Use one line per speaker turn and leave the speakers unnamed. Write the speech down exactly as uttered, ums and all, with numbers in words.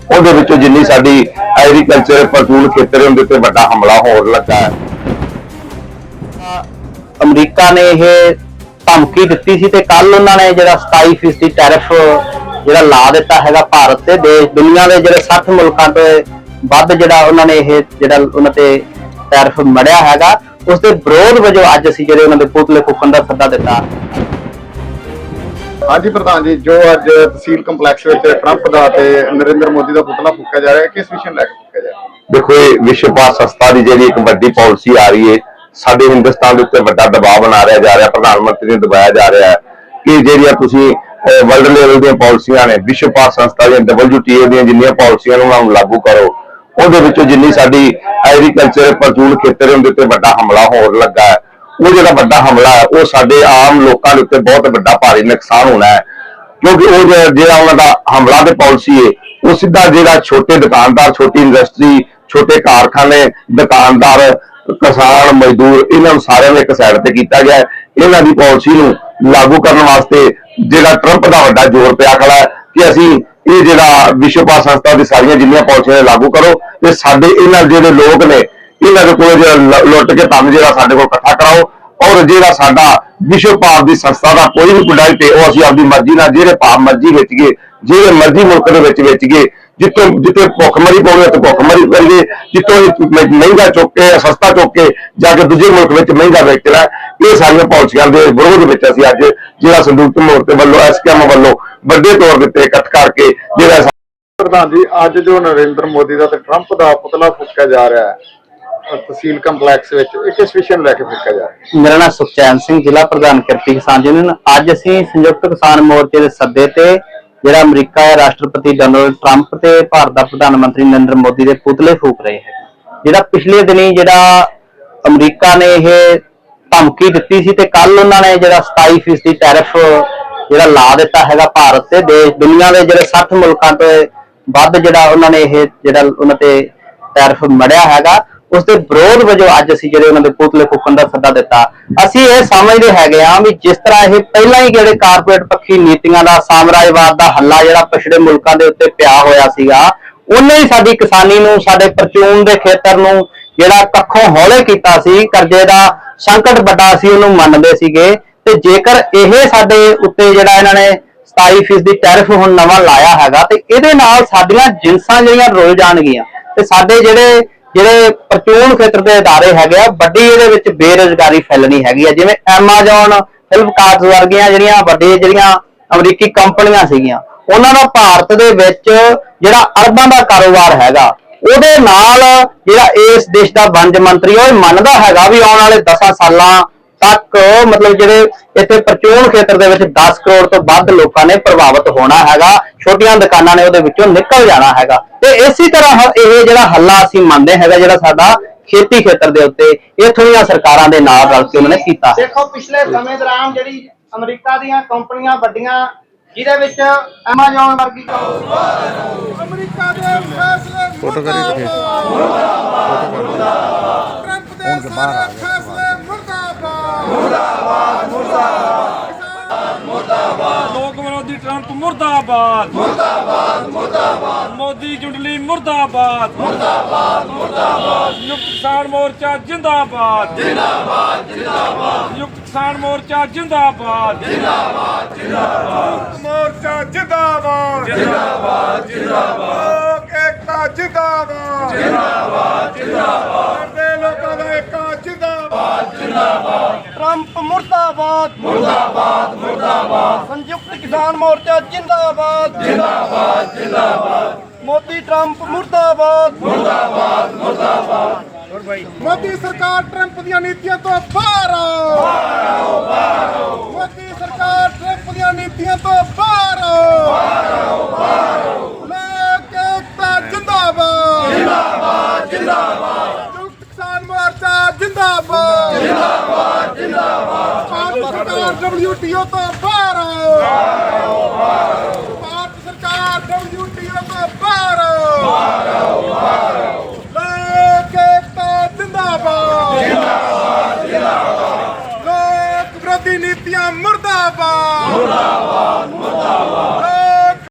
ਉਹਦੇ ਵਿੱਚੋਂ ਜਿੰਨੀ ਸਾਡੀ ਐਗਰੀਕਲਚਰ ਪ੍ਰਚੂਲ ਖੇਤਰ ਉਹਦੇ ਤੇ ਵੱਡਾ ਹਮਲਾ ਹੋਣ ਲੱਗਾ ਹੈ।
ਅਮਰੀਕਾ ਨੇ ਇਹ ਧਮਕੀ ਦਿੱਤੀ ਸੀ ਤੇ ਕੱਲ ਉਹਨਾਂ ਨੇ ਜਿਹੜਾ ਸਤਾਈ ਫੀਸਦੀ ਟੈਰਿਫ ਜਿਹੜਾ ਲਾ ਦਿੱਤਾ ਹੈਗਾ ਭਾਰਤ ਤੇ ਦੇਸ਼ ਦੁਨੀਆ ਦੇ ਜਿਹੜੇ ਸੱਠ ਮੁਲਕਾਂ ਤੋਂ ਵੱਧ ਜਿਹੜਾ ਉਹਨਾਂ ਨੇ ਇਹ ਜਿਹੜਾ ਉਹਨਾਂ ਤੇ ਟੈਰਿਫ ਮੜਿਆ ਹੈਗਾ, ਉਸ ਦੇ ਵਿਰੋਧ ਵਜੋਂ ਅੱਜ ਅਸੀਂ ਜਿਹੜੇ ਉਹਨਾਂ ਦੇ ਪੁਤਲੇ ਫੂਕਣ ਦਾ ਸੱਦਾ ਦਿੱਤਾ।
ਹਾਂਜੀ ਪ੍ਰਧਾਨ ਜੀ, ਜੋ ਅੱਜ ਤਹਿਸੀਲ ਕੰਪਲੈਕਸ ਵਿੱਚ ਟਰੰਪ ਦਾ ਤੇ ਨਰਿੰਦਰ ਮੋਦੀ ਦਾ ਪੁਤਲਾ ਫੂਕਿਆ ਜਾ ਰਿਹਾ ਹੈ, ਕਿਸ ਵਿਸ਼ੇ ਨੂੰ ਲੈ ਕੇ ਫੂਕਿਆ ਜਾ ਰਿਹਾ?
ਦੇਖੋ, ਇਹ ਵਿਸ਼ਵ ਭਾਰ ਸੰਸਥਾ ਦੀ ਜਿਹੜੀ ਇੱਕ ਵੱਡੀ ਪਾਲਿਸੀ ਆ ਰਹੀ ਹੈ, ਸਾਡੇ ਹਿੰਦੁਸਤਾਨ ਦੇ ਉੱਤੇ ਵੱਡਾ ਦਬਾਅ ਬਣਾ ਰਿਹਾ ਜਾ ਰਿਹਾ, ਪ੍ਰਧਾਨ ਮੰਤਰੀ ਨੂੰ ਦਬਾਇਆ ਜਾ ਰਿਹਾ ਹੈ ਕਿ ਜਿਹੜੀਆਂ ਤੁਸੀਂ ਵਰਲਡ ਲੈਵਲ ਦੀਆਂ ਪਾਲਿਸੀਆਂ ਨੇ, ਵਿਸ਼ਵ ਭਾਰ ਸੰਸਥਾ ਦੀਆਂ ਡਬਲਯੂ ਟੀ ਓ ਦੀਆਂ ਜਿੰਨੀਆਂ ਪਾਲਿਸੀਆਂ ਨੇ ਉਹਨਾਂ ਨੂੰ ਲਾਗੂ ਕਰੋ। ਉਹਦੇ ਵਿੱਚੋਂ ਜਿੰਨੀ ਸਾਡੀ ਐਗਰੀਕਲਚਰ ਪ੍ਰਚੂਲ ਖੇਤਰ ਉਹਦੇ ਉੱਤੇ ਵੱਡਾ ਹਮਲਾ ਹੋਣ ਲੱਗਾ ਹੈ, ਉਹ ਜਿਹੜਾ ਵੱਡਾ ਹਮਲਾ ਹੈ ਉਹ ਸਾਡੇ ਆਮ ਲੋਕਾਂ ਦੇ ਉੱਤੇ ਬਹੁਤ ਵੱਡਾ ਭਾਰੀ ਨੁਕਸਾਨ ਹੋਣਾ ਹੈ। ਕਿਉਂਕਿ ਉਹ ਜਿਹੜਾ ਉਹਨਾਂ ਦਾ ਹਮਲਾ ਤੇ ਪਾਲਿਸੀ ਹੈ ਉਹ ਸਿੱਧਾ ਜਿਹੜਾ ਛੋਟੇ ਦੁਕਾਨਦਾਰ, ਛੋਟੀ ਇੰਡਸਟਰੀ, ਛੋਟੇ ਕਾਰਖਾਨੇ, ਦੁਕਾਨਦਾਰ, ਕਿਸਾਨ, ਮਜ਼ਦੂਰ, ਇਹਨਾਂ ਨੂੰ ਸਾਰਿਆਂ ਨੂੰ ਇੱਕ ਸਾਈਡ ਤੇ ਕੀਤਾ ਗਿਆ। ਇਹਨਾਂ ਦੀ ਪਾਲਿਸੀ ਨੂੰ ਲਾਗੂ ਕਰਨ ਵਾਸਤੇ ਜਿਹੜਾ ਟਰੰਪ ਦਾ ਵੱਡਾ ਜ਼ੋਰ ਪਿਆ ਖੜਾ ਹੈ ਕਿ ਅਸੀਂ ਇਹ ਜਿਹੜਾ ਵਿਸ਼ਵ ਭਾਰ ਸੰਸਥਾ ਦੀ ਸਾਰੀਆਂ ਜਿੰਨੀਆਂ ਪਾਲਿਸੀਆਂ ਲਾਗੂ ਕਰੋ ਤੇ ਸਾਡੇ ਇਹਨਾਂ ਜਿਹੜੇ ਲੋਕ ਨੇ ਇਹਨਾਂ ਦੇ ਕੋਲ ਜਿਹੜਾ ਲੁੱਟ ਕੇ ਧਨ ਜਿਹੜਾ ਸਾਡੇ ਕੋਲ ਇਕੱਠਾ ਕਰਾਓ, ਔਰ ਜਿਹੜਾ ਸਾਡਾ ਵਿਸ਼ਵ ਭਾਰ ਦੀ ਸੰਸਥਾ ਦਾ ਕੋਈ ਵੀ ਪ੍ਰੋਡਕਟ ਹੈ ਉਹ ਅਸੀਂ ਆਪਦੀ ਮਰਜ਼ੀ ਨਾਲ ਜਿਹੜੇ ਭਾਅ ਮਰਜ਼ੀ ਵੇਚ ਗਏ, ਜਿਹੜੇ ਮਰਜ਼ੀ ਮੁਲਕ ਦੇ ਵਿੱਚ ਵੇਚ ਗਏ, ਜਿੱਥੋਂ ਜਿੱਥੇ ਭੁੱਖਮਰੀ ਪਾਉਣੀ ਉੱਥੇ ਭੁੱਖਮਰੀ ਕਰੀਏ, ਜਿੱਥੋਂ ਮਹਿੰਗਾ ਚੁੱਕ ਕੇ ਸਸਤਾ ਚੁੱਕ ਕੇ ਜਾ ਕੇ ਦੂਜੇ ਮੁਲਕ ਵਿੱਚ ਮਹਿੰਗਾ ਵੇਚਣਾ। ਇਹ ਸਾਰੀਆਂ ਪਾਲਿਸੀਆਂ ਦੇ ਵਿਰੋਧ ਵਿੱਚ ਅਸੀਂ ਅੱਜ ਜਿਹੜਾ ਸੰਯੁਕਤ ਮੋਰਚੇ ਵੱਲੋਂ ਐਸਕੇਐਮ ਵੱਲੋਂ ਵੱਡੇ ਤੌਰ ਦੇ ਉੱਤੇ ਇਕੱਠ ਕਰਕੇ ਜਿਹੜਾ
ਪ੍ਰਧਾਨ ਜੀ, ਅੱਜ ਜੋ ਨਰਿੰਦਰ ਮੋਦੀ ਦਾ ਤੇ ਟਰੰਪ ਦਾ ਪੁਤਲਾ ਫੂਕਿਆ ਜਾ ਰਿਹਾ ਹੈ ਤਹਿਸੀਲ ਕੰਪਲੈਕਸ ਵਿੱਚ, ਇਹ ਕਿਸ ਵਿਸ਼ੇ ਨੂੰ ਲੈ ਕੇ ਫੂਕਿਆ ਜਾ ਰਿਹਾ?
ਮੇਰਾ ਨਾਮ ਸੁਖਚੈਨ ਸਿੰਘ, ਜ਼ਿਲ੍ਹਾ ਪ੍ਰਧਾਨ ਕਿਰਤੀ ਕਿਸਾਨ ਯੂਨੀਅਨ। ਅੱਜ ਅਸੀਂ ਸੰਯੁਕਤ ਕਿਸਾਨ ਮੋਰਚੇ ਦੇ ਸੱਦੇ ਤੇ ਜਿਹੜਾ ਅਮਰੀਕਾ ਹੈ, ਰਾਸ਼ਟਰਪਤੀ ਡੋਨਾਲਡ ਟਰੰਪ ਤੇ ਭਾਰਤ ਦਾ ਪ੍ਰਧਾਨ ਮੰਤਰੀ ਨਰਿੰਦਰ ਮੋਦੀ ਦੇ ਪੁਤਲੇ ਫੂਕ ਰਹੇ ਹੈ। ਜਿਹੜਾ ਪਿਛਲੇ ਦਿਨੀ ਜਿਹੜਾ ਅਮਰੀਕਾ ਨੇ ਇਹ ਧਮਕੀ ਦਿੱਤੀ ਸੀ ਤੇ ਕੱਲ ਉਹਨਾਂ ਨੇ ਜਿਹੜਾ ਸਤਾਈ ਫੀਸਦੀ ਟੈਰਿਫ ਜਿਹੜਾ ਲਾ ਦਿੱਤਾ ਹੈਗਾ ਭਾਰਤ ਤੇ ਦੇਸ਼ ਦੁਨੀਆ ਦੇ ਜਿਹੜੇ ਸੱਠ ਮੁਲਕਾਂ ਤੋਂ ਵੱਧ ਜਿਹੜਾ ਉਹਨਾਂ ਨੇ ਇਹ ਜਿਹੜਾ ਉਹਨਾਂ ਤੇ ਟੈਰਿਫ ਮੜਿਆ ਹੈਗਾ, ਉਸ ਦੇ ਵਿਰੋਧ ਵਜੋਂ ਅੱਜ ਅਸੀਂ ਜਿਹੜੇ ਉਹਨਾਂ ਦੇ ਪੁਤਲੇ ਫੂਕਣ ਦਾ ਸੱਦਾ ਦਿੱਤਾ। ਅਸੀਂ ਇਹ ਸਮਝਦੇ ਹੈਗੇ ਆ ਵੀ ਜਿਸ ਤਰ੍ਹਾਂ ਇਹ ਪਹਿਲਾਂ ਹੀ ਜਿਹੜੇ ਕਾਰਪੋਰੇਟ ਪੱਖੀ ਨੀਤੀਆਂ ਦਾ, ਸਾਮਰਾਜਵਾਦ ਦਾ ਹੱਲਾ ਜਿਹੜਾ ਪਿਛੜੇ ਮੁਲਕਾਂ ਦੇ ਉੱਤੇ ਪਿਆ ਹੋਇਆ ਸੀਗਾ, ਉਹਨੇ ਹੀ ਸਾਡੀ ਕਿਸਾਨੀ ਨੂੰ, ਸਾਡੇ ਪ੍ਰਚੂਨ ਦੇ ਖੇਤਰ ਨੂੰ ਜਿਹੜਾ ਕੱਖੋਂ ਹੌਲੇ ਕੀਤਾ ਸੀ। ਕਰਜ਼ੇ ਦਾ ਸੰਕਟ ਵੱਡਾ ਸੀ, ਉਹਨੂੰ ਮੰਨਦੇ ਸੀਗੇ। ਤੇ ਜੇਕਰ ਇਹ ਸਾਡੇ ਉੱਤੇ ਜਿਹੜਾ ਇਹਨਾਂ ਨੇ ਸਤਾਈ ਫੀਸਦੀ ਟੈਰਿਫ ਹੁਣ ਨਵਾਂ ਲਾਇਆ ਹੈਗਾ ਤੇ ਇਹਦੇ ਨਾਲ ਸਾਡੀਆਂ ਜਿੰਸਾਂ ਜਿਹੜੀਆਂ ਰੁਲ ਜਾਣਗੀਆਂ ਤੇ ਸਾਡੇ ਜਿਹੜੇ ਜਿਹੜੇ ਪ੍ਰਚੂਨ ਖੇਤਰ ਦੇ ਅਦਾਰੇ ਹੈਗੇ ਆ, ਵੱਡੀ ਇਹਦੇ ਵਿੱਚ ਬੇਰੁਜ਼ਗਾਰੀ ਫੈਲਣੀ ਹੈਗੀ ਆ। ਜਿਵੇਂ ਐਮਾਜ਼ੋਨ, ਫਲਿੱਪਕਾਰਟ ਵਰਗੀਆਂ ਜਿਹੜੀਆਂ ਵੱਡੀਆਂ ਜਿਹੜੀਆਂ ਅਮਰੀਕੀ ਕੰਪਨੀਆਂ ਸੀਗੀਆਂ, ਉਹਨਾਂ ਦਾ ਭਾਰਤ ਦੇ ਵਿੱਚ ਜਿਹੜਾ ਅਰਬਾਂ ਦਾ ਕਾਰੋਬਾਰ ਹੈਗਾ, ਉਹਦੇ ਨਾਲ ਜਿਹੜਾ ਇਸ ਦੇਸ਼ ਦਾ ਵਣਜ ਮੰਤਰੀ ਉਹ ਮੰਨਦਾ ਹੈਗਾ ਵੀ ਆਉਣ ਵਾਲੇ ਦਸਾਂ ਸਾਲਾਂ ਤੱਕ ਮਤਲਬ ਜਿਹੜੇ ਇੱਥੇ ਪ੍ਰਚੂਨ ਖੇਤਰ ਦੇ ਵਿੱਚ ਦਸ ਕਰੋੜ ਤੋਂ ਵੱਧ ਲੋਕਾਂ ਨੇ ਪ੍ਰਭਾਵਿਤ ਹੋਣਾ ਹੈਗਾ, ਛੋਟੀਆਂ ਦੁਕਾਨਾਂ ਨੇ ਉਹਦੇ ਵਿੱਚੋਂ ਨਿਕਲ ਜਾਣਾ ਹੈਗਾ। ਤੇ ਇਸੇ ਤਰ੍ਹਾਂ ਇਹ ਜਿਹੜਾ ਹੱਲਾ ਅਸੀਂ ਮੰਨਦੇ ਹੈਗਾ ਜਿਹੜਾ ਸਾਡਾ ਖੇਤੀ ਖੇਤਰ ਦੇ ਉੱਤੇ ਇੱਥੋਂ ਦੀਆਂ ਸਰਕਾਰਾਂ ਦੇ ਨਾਲ ਰਲ ਕੇ ਉਹਨਾਂ ਨੇ ਕੀਤਾ।
ਦੇਖੋ, ਪਿਛਲੇ ਸਮੇਂ ਦੌਰਾਨ ਜਿਹੜੀ ਅਮਰੀਕਾ ਦੀਆਂ ਕੰਪਨੀਆਂ ਵੱਡੀਆਂ, ਜਿਹਦੇ ਵਿੱਚ ਐਮਾਜ਼ੋਨ ਵਰਗੀ ਅਮਰੀਕਾ ਦੇ ਫੈਸਲੇ ਫੋਟੋ ਕਰੀ ਮੁਰਦਾਬਾਦ, ਟਰੰਪ ਦੇ ਸਾਰੇ ਫੈਸਲੇ ਮੁਰਦਾਬਾਦ, ਮੁਰਦਾਬਾਦ, ਮੁਰਦਾਬਾਦ, ਮੁਰਦਾਬਾਦ,
ਲੋਕ ਵਿਰੋਧੀ ਟਰੰਪ ਮੁਰਦਾਬਾਦ, ਮੁਰਦਾਬਾਦ, ਮੁਰਦਾਬਾਦ, ਮੋਦੀ ਜੁੰਡਲੀ ਮੁਰਦਾਬਾਦ, ਮੁਰਦਾਬਾਦ, ਮੁਰਦਾਬਾਦ, ਸੰਯੁਕਤ ਕਿਸਾਨ ਮੋਰਚਾ ਜਿੰਦਾਬਾਦ, ਜਿੰਦਾਬਾਦ, ਜਿੰਦਾਬਾਦ, ਸੰਯੁਕਤ ਕਿਸਾਨ ਮੋਰਚਾ ਜਿੰਦਾਬਾਦ, ਜਿੰਦਾਬਾਦ, ਜਿੰਦਾਬਾਦ,
ਮੋਰਚਾ ਜਿੰਦਾਬਾਦ,
ਜਿੰਦਾਬਾਦ, ਜਿੰਦਾਬਾਦ,
ਲੋਕ ਏਕਤਾ ਜਿੰਦਾਬਾਦ,
ਜਿੰਦਾਬਾਦ, ਜਿੰਦਾਬਾਦ,
ਦੇ ਲੋਕਾਂ ਦਾ ਏਕਾ ਜਿੰਦਾਬਾਦ,
ਜਿੰਦਾਬਾਦ,
ਟਰੰਪ ਮੁਰਦਾਬਾਦ,
ਮੁਰਦਾਬਾਦ, ਮੁਰਦਾਬਾਦ,
ਸੰਯੁਕਤ ਕਿਸਾਨ ਮੋਰਚਾ ਜਿੰਦਾਬਾਦ,
ਜਿੰਦਾਬਾਦ, ਜਿੰਦਾਬਾਦ,
ਮੋਦੀ ਟਰੰਪ ਮੁਰਦਾਬਾਦ,
ਮੁਰਦਾਬਾਦ, ਮੁਰਦਾਬਾਦ।
ਮੋਦੀ ਸਰਕਾਰ ਟਰੰਪ ਦੀਆਂ ਨੀਤੀਆਂ ਤੋਂ ਬਾਹਰ ਆਓ, ਬਾਹਰ ਆਓ, ਬਾਹਰ ਆਓ, ਮੋਦੀ ਸਰਕਾਰ ਟਰੰਪ ਦੀਆਂ ਨੀਤੀਆਂ ਤੋਂ ਬਾਹਰ ਆਓ, ਬਾਹਰ ਆਓ, ਬਾਹਰ ਆਓ, ਲੋਕ ਏਕਤਾ ਜਿੰਦਾਬਾਦ,
ਜਿੰਦਾਬਾਦ, ਜਿੰਦਾਬਾਦ,
ਸੰਯੁਕਤ ਕਿਸਾਨ ਮੋਰਚਾ ਜਿੰਦਾਬਾਦ,
ਜਿੰਦਾਬਾਦ, ਜਿੰਦਾਬਾਦ,
ਭਾਰਤ ਸਰਕਾਰ ਡਬਲਯੂ ਟੀ ਓ ਤੋਂ ਬਾਹਰ ਆਓ, ਬਾਹਰ ਆਓ, ਬਾਹਰ ਆਓ, ਭਾਰਤ ਸਰਕਾਰ ਡਬਲਯੂ ਟੀ ਓ ਤੋਂ ਬਾਹਰ ਆਓ, ਬਾਹਰ ਆਓ, ਬਾਹਰ ਆਓ, ਲੋਕ ਏਕਤਾ ਜਿੰਦਾਬਾਦ,
ਜਿੰਦਾਬਾਦ, ਜਿੰਦਾਬਾਦ,
ਲੋਕ ਵਿਰੋਧੀ ਨੀਤੀਆਂ ਮੁਰਦਾਬਾਦ,
ਮੁਰਦਾਬਾਦ।